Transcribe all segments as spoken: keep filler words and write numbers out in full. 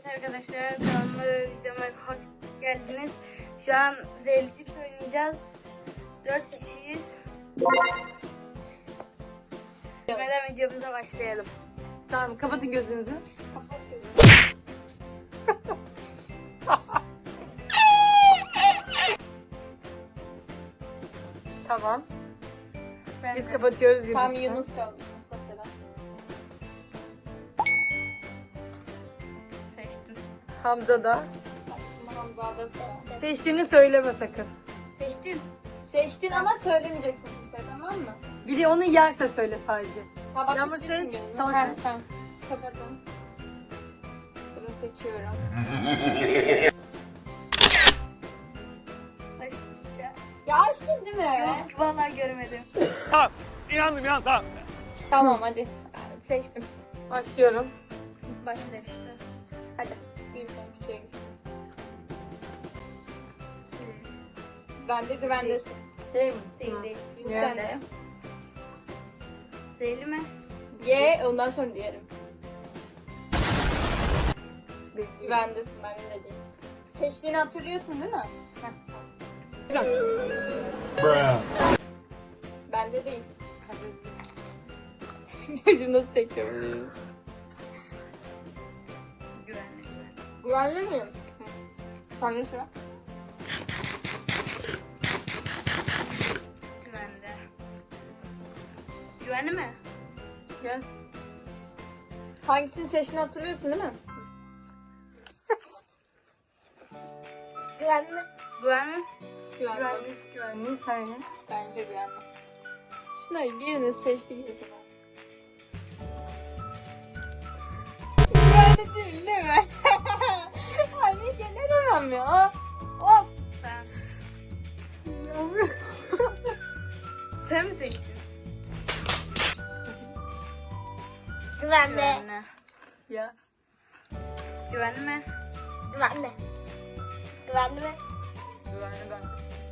arkadaşlar, kanalıma videoma hoş geldiniz. Şu an Zehirli Cips oynayacağız. Dört kişiyiz. Hemen videomuza başlayalım. Tamam, kapatın gözünüzü. Kapat gözünü. Tamam. Ben Biz de. kapatıyoruz Yunus'u. Tam Yunus kaldı. Yunus'la sıra. Seçtim. Hamza da. Şimdi Hamza'da sıra. Seçtiğini söyleme sakın. Seçtim. Seçtin ama söylemeyeceksin kimseye, tamam mı? Biri onu yerse söyle sadece. Kapat Yağmur gitsin seç, gözünü. sonra Ha, seç. tamam. Kapatın. Sıra seçiyorum. Başlayacağım. Ya açtın değil mi? Yok, vallahi görmedim. Tamam. İnandım ya tamam. Tamam hadi. Seçtim. Başlıyorum. Başla işte. Hadi. Büyükten küçüğe gitsin. Ben de güvendesin. Değil mi? Değil Hı. değil. Yunus Yani. sen de. Zehirli mi? Ye, ondan sonra diyelim. Değil. Güvendesin, ben de değil. Seçtiğini hatırlıyorsun değil mi? Heh. Bende değil. Gözüm nasıl çekiyor? Güvenli. Güvenli miyim? Sen de sıra. Güvende. Güvenli mi? Gel. Hangisini seçtiğini hatırlıyorsun değil mi? Güvenli mi? Güvenli mi? Güvenli. Güvenliyiz, güvenliyiz. Sen ye. Bence güvenli. Şunları birini seçtik kesin. Güvenli değil değil mi? Anne gelemem ya. Of. Sen. Sen mi seçtin? Güvenli. Güvenli. Ya. Güvenli mi? Güvenli. Güvenli mi? Güvenli ben.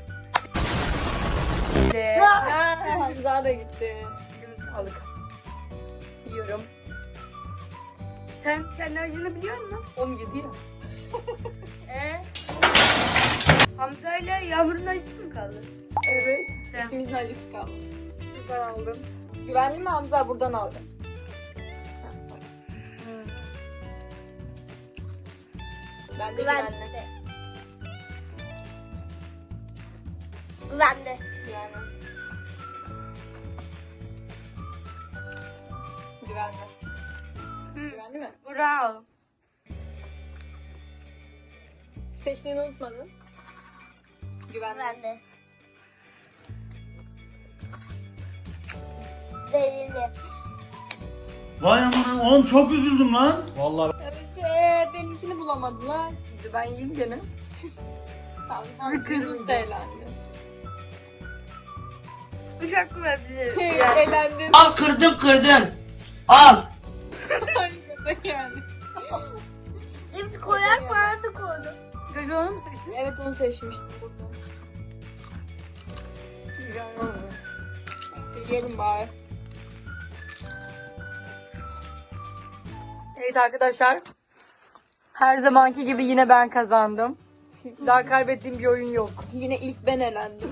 De. Aa, Hamza da gitti. Yunus aldık. Yiyorum. Sen kendi acını biliyor musun? on yedi ya. Ee? Hamza ile Yağmur'un acısı mı kaldı? Evet. Sen. İkimizin acısı kaldı. Ben aldım. Güvenli mi Hamza? Buradan aldı. Hı. Ben de güvenli. Güvenli. Güvenli. Güvenli. Hı. Güvenli mi? Buradan al. Seçtiğini unutmadın. Güvenli. Güvenli. Zehirli. Vay aman oğlum çok üzüldüm lan. Vallahi Evet, ee, benimkini bulamadılar. Şimdi ben yiyeyim gene. Tamam, sen Sıkıntı Yunus da yok. elendi. Üç hakkı ver bize. Hey, Yani. elendin. Al kırdım kırdım. Al. Harika yani. Şimdi koyar parası koydum. Çocuğu onu mu seçtin? Evet, onu seçmiştim burada. Güvenli oldu. Yiyelim bari. Evet arkadaşlar. Her zamanki gibi yine ben kazandım. Daha kaybettiğim bir oyun yok. Yine ilk ben elendim.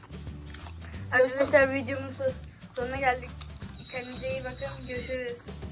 Arkadaşlar videomun sonuna geldik. Kendinize iyi bakın. Görüşürüz.